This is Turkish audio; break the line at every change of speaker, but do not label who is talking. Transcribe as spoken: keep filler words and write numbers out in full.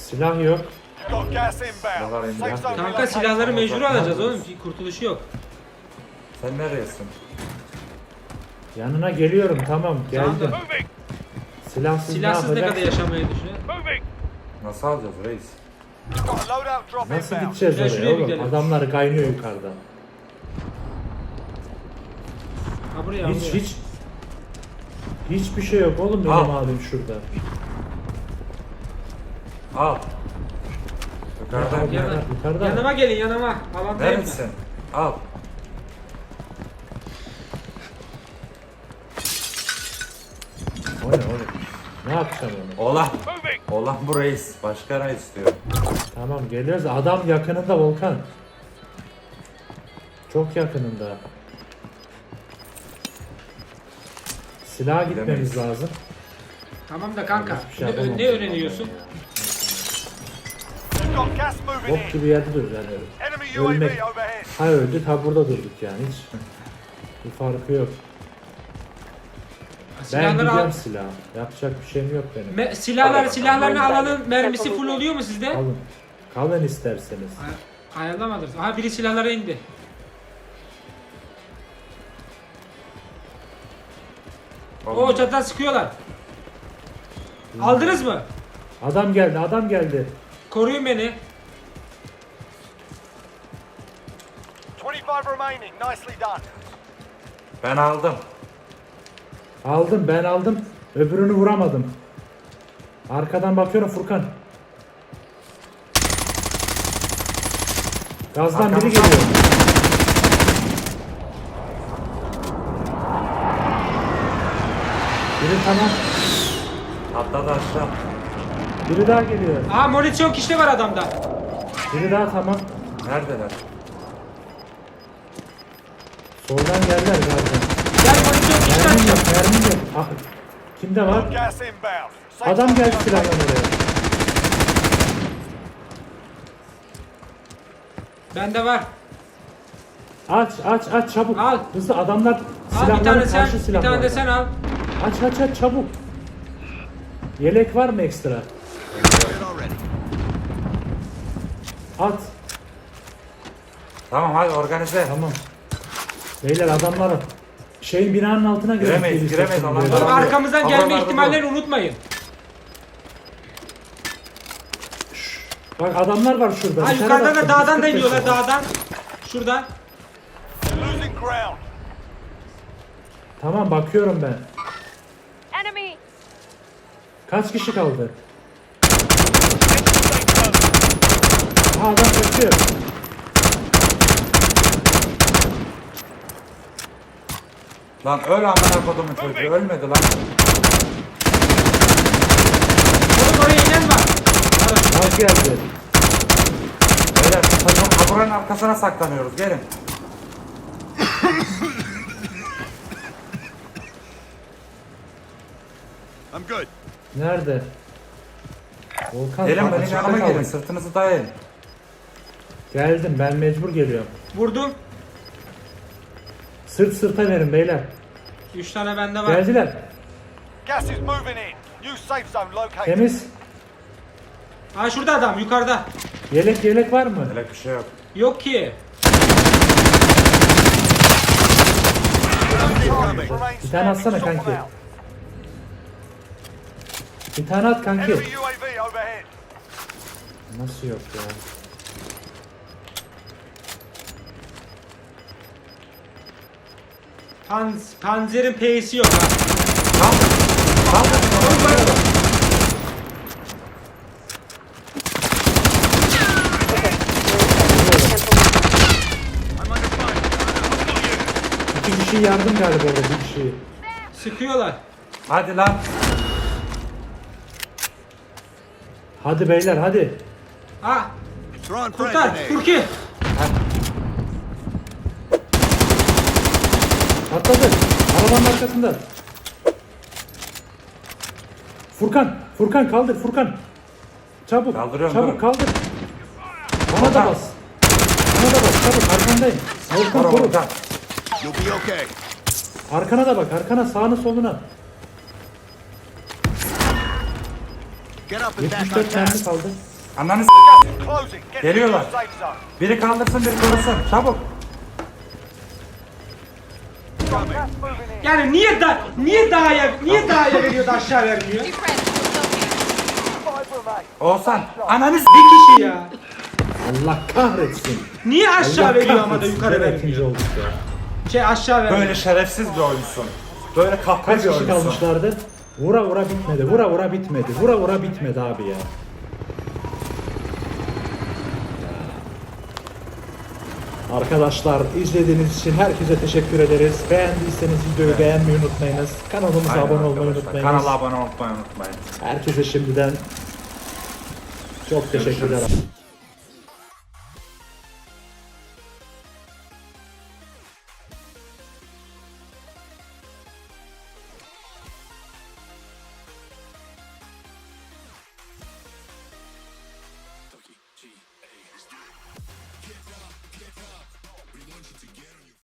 Silah yok.
Got gas inbound. Safe zone
Kanka silahları
relocated.
mecbur alacağız oğlum. Bir kurtuluşu yok.
Sen nereyesin?
Yanına geliyorum, tamam geldim.
Tamam.
Moving.
Silahsız,
Silahsız ne kadar
yapacaksın?
yaşamayı düşünüyor?
Moving.
Nasıl alacağız reis?
Got a loadout drop
Nasıl
inbound.
gideceğiz
Gel
oraya
şuraya bir
oğlum?
gidelim.
Adamlar kaynıyor yukarıdan.
Ha buraya
Hiç
buraya.
hiç hiçbir şey yok oğlum benim
Al.
abim şurada.
Al. Yukarıdan
Ya,
gel.
Yana,
Yukarıda mı?
yanıma gelin yanıma. Alandayım ben.
Neredesin? Al.
O ne oğlum? Ne yapacağım onu?
Olan.
Moving.
Olan bu reis. Başka reis diyor.
Tamam geliyoruz. Adam yakınında Volkan. Çok yakınında. Silaha gitmemiz
Gidemeyiz.
lazım.
Tamam da kanka.
Hiçbir şey
Ne,
yapamam.
ne öğreniyorsun?
You've got gas moving
Bok
in.
gibi yerde dur yani.
Enemy U A
Ölmek.
V overhead.
Ha öldük ha burada durduk yani hiç. Bir farkı yok. Ben
Silahları
gidiyorum
al.
silah. Yapacak bir şeyim yok benim.
Me- silahlar,
Al.
silahlarını alanın mermisi full oluyor mu sizde?
Kalın. Kalın isterseniz.
Ay- Ayarlamadınız. Aha biri silahlara indi. O çatıdan sıkıyorlar. Aldınız mı?
Adam geldi adam geldi.
Koruyun beni.
twenty-five remaining. Nicely done.
Ben aldım.
Aldım ben aldım. Öbürünü vuramadım. Arkadan bakıyorum Furkan. Gazdan biri
Arkamızdan.
geliyor. Biri tamam.
Atladı aşağı.
Biri daha geliyor.
Aha monitör kişi var adamda.
Biri daha tamam.
Neredeler?
Soldan geldiler gazdan.
Gel monitör kişi
Mermim yok
açacağım.
mermim yok. Ah, kimde var?
Got gas inbound. Safe
Adam
zone
geldi
relocated.
silahla oraya.
Bende var.
Aç aç aç çabuk.
Al.
Hızlı adamlar
Al bir
silahları
tane sen,
karşı
bir
silahlar.
tane de sen al.
Aç aç aç çabuk. Yelek var mı ekstra? At.
Tamam hadi organize.
Tamam. Beyler adamlar şeyin binanın altına girip
Giremeyiz,
gelirse
giremeyiz,
şimdi.
alanlar-
Oğlum
Tamam.
arkamızdan gelme
Havalarda
ihtimallerini unutmayın.
Bak adamlar var şurada.
Ha
Bir tane
yukarıdan da
baktım,
dağdan da
yüz kırk beş
iniyorlar
var.
dağdan. Şuradan.
Losing ground.
Tamam bakıyorum ben.
Enemy!
Kaç kişi kaldı?
Safe zone.
Ha adam kaçıyor.
Lan öl amına kodumun çocuğu. Ölmedi lan.
Oğlum oraya inen var.
Az geldi.
Beyler takım kaburanın arkasına saklanıyoruz. Gelin.
I'm good.
Nerede? Volkan
Gelin
bak,
benim
açıkta
yanıma
kaldık.
gelin. Sırtınızı dayayın.
Geldim ben mecbur geliyorum.
Vurdum.
Sırt sırta verin beyler.
Üç tane bende var.
Geldiler.
Gas is moving in. New safe zone located.
Temiz.
Ha şurada adam yukarıda.
Yelek yelek var mı?
Öyle bir şey yok.
Yok ki.
Target remains
Bir tane atsana
standing. Sort
kanki.
them out.
Bir tane at kanki.
Enemy U A V overhead.
Nasıl yok ya?
Panz, panzerin P'si yok ha.
Tam. Tam.
İki kişi yardım galiba orada bir kişi.
Sıkıyorlar.
Hadi lan.
Hadi beyler hadi.
Ha. Kurtar. Kurki.
Atladı. Arabanın arkasında. Furkan, Furkan kaldır Furkan. Çabuk,
Kaldırıyorum,
çabuk
dur.
kaldır. Bana da bas. Bana da bas, çabuk arkandayım. Volkan
Koru
koru.
buradan.
You'll be okay.
Arkana da bak, arkana sağına soluna.
Get up
yetmiş dört mermi kaldı.
Ananı s***.
Gas is closing. Get to the
Geliyorlar.
new safe zone.
Biri kaldırsın, biri korusun. Çabuk.
Gas moving in.
Yani niye da niye dağa niye dağa veriyor da aşağı vermiyor?
Two friends still looking.
Five remain.
Oğuzhan, ananı s***.
Bir kişi ya.
Allah kahretsin.
Niye aşağı
Allah
veriyor ama da
kahretsin.
yukarı
Gene ikinci
vermiyor?
olduk ya.
Şey aşağı vermiyor.
Böyle şerefsiz bir oyunsun. Böyle kahpe
Kaç
bir
kişi
oyunsun.
kalmışlardı? Vura vura bitmedi. Vura vura bitmedi. Vura vura bitmedi abi ya. Arkadaşlar izlediğiniz için herkese teşekkür ederiz. Beğendiyseniz videoyu beğenmeyi unutmayınız. Kanalımıza
Aynen
abone olmayı
arkadaşlar.
unutmayınız.
Kanala abone olmayı unutmayın.
Herkese şimdiden çok teşekkürler.